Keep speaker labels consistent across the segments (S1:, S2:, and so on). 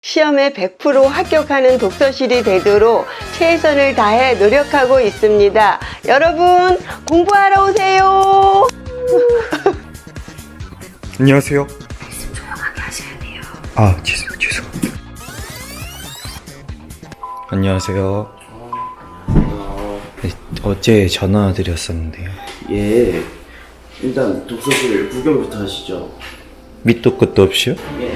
S1: 시험에 100% 합격하는 독서실이 되도록 최선을 다해 노력하고 있습니다. 여러분, 공부하러 오세요.
S2: 안녕하세요.
S3: 말씀 조용하게 하셔야 돼요.
S2: 죄송. 안녕하세요. 네, 어제 전화 드렸었는데요.
S4: 예, 일단 독서실 구경부터 하시죠.
S2: 밑도 끝도 없이요?
S4: 예.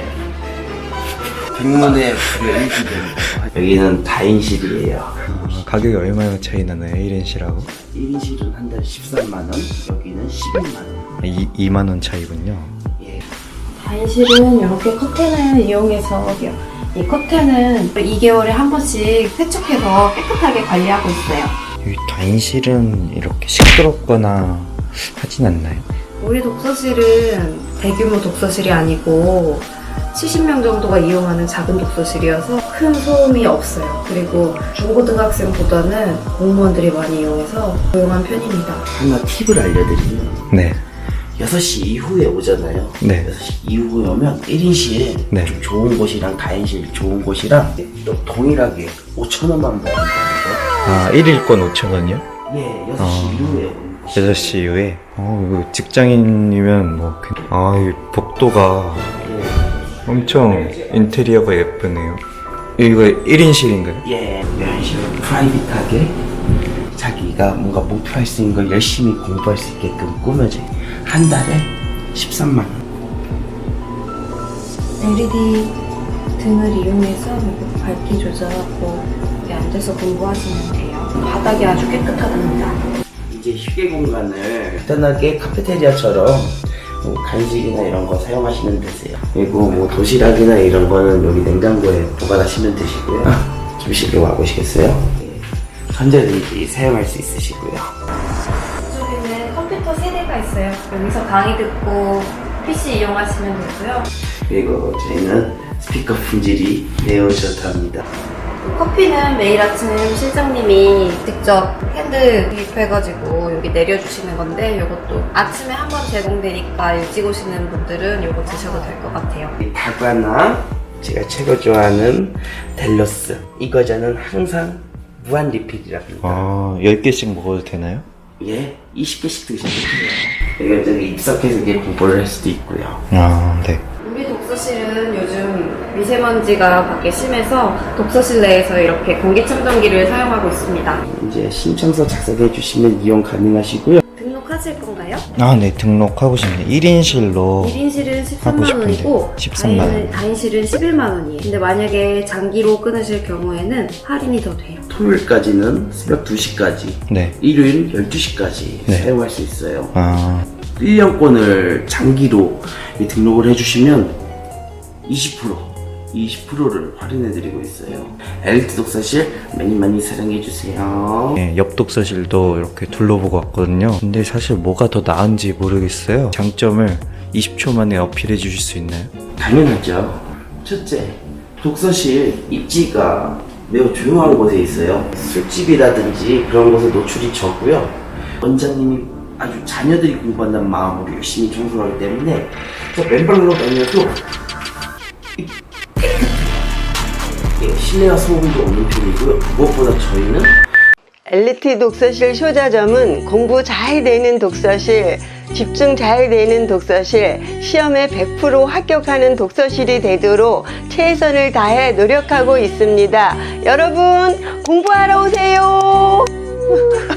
S4: 백문의 불여일견. 여기는 다인실이에요.
S2: 가격이 얼마나 차이 나나요? 1인실하고?
S4: 1인실은 한 달 13만원, 여기는 11만원.
S2: 2만원 차이군요.
S4: 예.
S3: 다인실은 이렇게 커튼을 이용해서 이 커튼은 2개월에 한 번씩 세척해서 깨끗하게 관리하고 있어요.
S2: 이 다인실은 이렇게 시끄럽거나 하진 않나요?
S3: 우리 독서실은 대규모 독서실이 아니고 70명 정도가 이용하는 작은 독서실이어서 큰 소음이 없어요. 그리고 중고등학생보다는 공무원들이 많이 이용해서 조용한 편입니다.
S4: 하나 팁을 알려드리면
S2: 네.
S4: 6시 이후에 오잖아요.
S2: 네.
S4: 6시 이후에 오면 1인실
S2: 네.
S4: 좀 좋은 곳이랑 다인실 좋은 곳이랑 또 동일하게 5,000원만 받는다는
S2: 1일권 5,000원이요?
S4: 거. 예, 6시 이후에 오는 곳이.
S2: 6시 이후에? 이거 직장인이면 뭐, 이 복도가 엄청 인테리어가 예쁘네요. 이거 1인실인가요?
S4: 예, 이런 식으로 프라이빗하게 자기가 뭔가 목표할 수 있는 걸 열심히 공부할 수 있게끔 꾸며져. 한 달에 13만 원.
S3: LED 등을 이용해서 이렇게 밝기 조절하고 여기 앉아서 공부하시면 돼요. 바닥이 아주 깨끗하답니다.
S4: 이제 휴게 공간을 편하게 카페테리아처럼 뭐 간식이나 이런 거 사용하시면 되세요. 그리고 뭐 도시락이나 이런 거는 여기 냉장고에 보관하시면 되시고요. 좀 쉽게 와보시겠어요? 네. 언제든지 사용할 수 있으시고요.
S3: 이쪽에는 컴퓨터 세대가 있어요. 여기서 강의 듣고 PC 이용하시면 되고요.
S4: 그리고 저희는 스피커 품질이 매우 좋답니다.
S3: 커피는 매일 아침 실장님이 직접 핸드 구입해가지고 여기 내려주시는 건데 이것도 아침에 한 번 제공되니까 일찍 오시는 분들은 이거 드셔도 될 것 같아요.
S4: 이 다과나 제가 최고 좋아하는 델로스 이 과자는 항상 무한 리필이랍니다.
S2: 10개씩 먹어도 되나요?
S4: 예, 20개씩 드셔도 돼요. 여기 입석해서 이렇게 공부를 할 수도 있고요.
S2: 네.
S3: 우리 독서실은 요즘 미세먼지가 밖에 심해서 독서실 내에서 이렇게 공기청정기를 사용하고 있습니다.
S4: 이제 신청서 작성해 주시면 이용 가능하시고요.
S3: 등록하실 건가요?
S2: 네, 등록하고 싶네요. 1인실로
S3: 1인실은
S2: 하고
S3: 13만
S2: 싶은데,
S3: 원이고
S2: 13만 원.
S3: 다인실은 11만 원이에요. 근데 만약에 장기로 끊으실 경우에는 할인이 더 돼요.
S4: 토요일까지는 새벽 2시까지,
S2: 네.
S4: 일요일 12시까지
S2: 네.
S4: 사용할 수 있어요. 1년권을 장기로 등록을 해주시면 20%를 할인해드리고 있어요. 엘리트 독서실 많이 사랑해주세요.
S2: 네, 옆 독서실도 이렇게 둘러보고 왔거든요. 근데 사실 뭐가 더 나은지 모르겠어요. 장점을 20초 만에 어필해 주실 수 있나요?
S4: 당연하죠. 첫째, 독서실 입지가 매우 조용한 곳에 있어요. 술집이라든지 그런 곳에 노출이 적고요. 원장님이 아주 자녀들이 공부한다는 마음으로 열심히 청소하기 때문에 맨발로 다녀도 실내와 소음도 없는 편이고요. 무엇보다 저희는
S1: 엘리트 독서실 쇼자점은 공부 잘 되는 독서실, 집중 잘 되는 독서실, 시험에 100% 합격하는 독서실이 되도록 최선을 다해 노력하고 있습니다. 여러분, 공부하러 오세요.